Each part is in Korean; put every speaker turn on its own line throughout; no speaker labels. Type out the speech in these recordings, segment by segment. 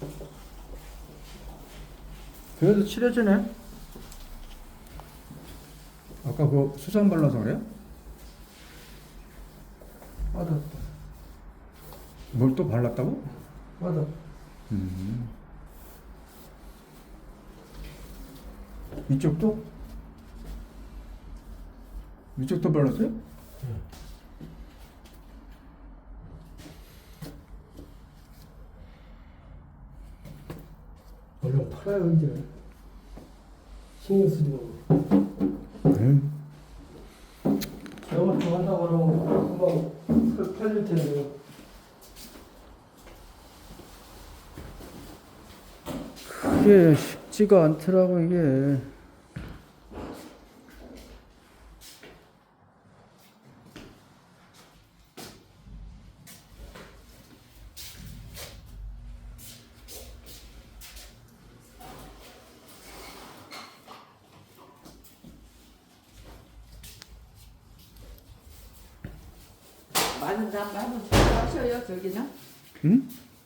그래도 칠해지네. 아까 그 수산 발라서 그래요?
맞았다.
뭘 또 발랐다고?
맞아.
이쪽도? 이쪽도 발랐어요?
얼른 팔아요 이제. 신경 쓰지 말고.
네.
영어 좀 한다고 그러면 금방 팔릴 텐데.
그게 쉽지가 않더라고 이게.
마른 다음에 한번 하셔요 저기는.
응?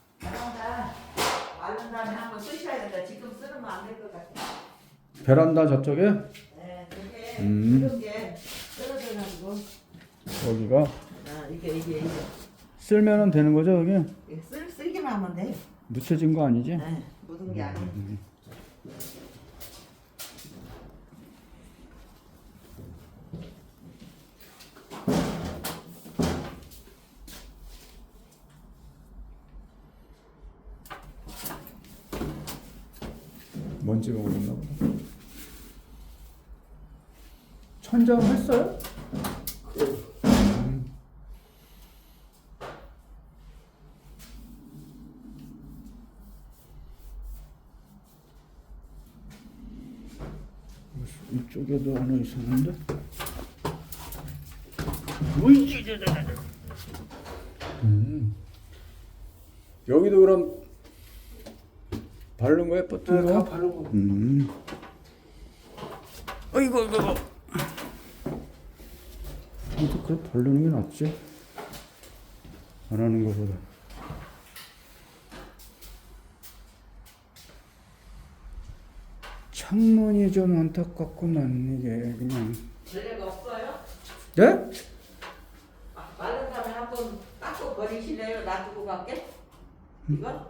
마른 다음에 한번 쓰셔야 된다. 지금 쓰면 안 될 것 같아.
베란다 저쪽에?
네, 그게
음.
이런 게 떨어져가지고.
여기가
이게
쓸면은 되는 거죠 여기?
쓰기만 하면 돼.
묻혀진 거 아니지?
네, 묻은 게 아니에요.
먼지가 오렸나 보다. 천장 했어요? 이쪽에도 하나 있었는데? 여기도 그럼 바른 거야? 버튼
다
거?
바른 거.
어이구 이거 이거 그래 바르는 게 낫지 안 하는 거보다. 창문이 좀 안타깝구만 이게 그냥.
전례가 없어요?
네?
마른 다음에 한번 닦고 버리실래요? 놔두고 갈게? 이거?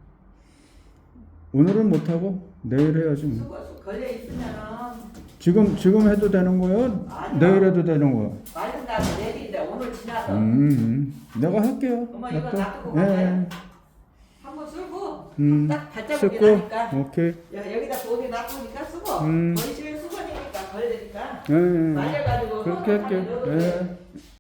오늘은 못하고 내일 해야지 뭐.
수거 걸려 있으면은
지금 해도 되는 거야?
아니요.
내일 해도 되는 거야?
마른 다음에 내일인데 오늘 지나서
내가 할게요.
엄마 이거
놔둬.
놔두고
예,
가요. 한번 쓰고 딱 발자국이
쓰고
나니까
오케이.
여기다 돈이 놔두니까 쓰고
음.
버리시면 수건이니까 걸리니까
예, 예.
말려가지고
그렇게 할게요. 예.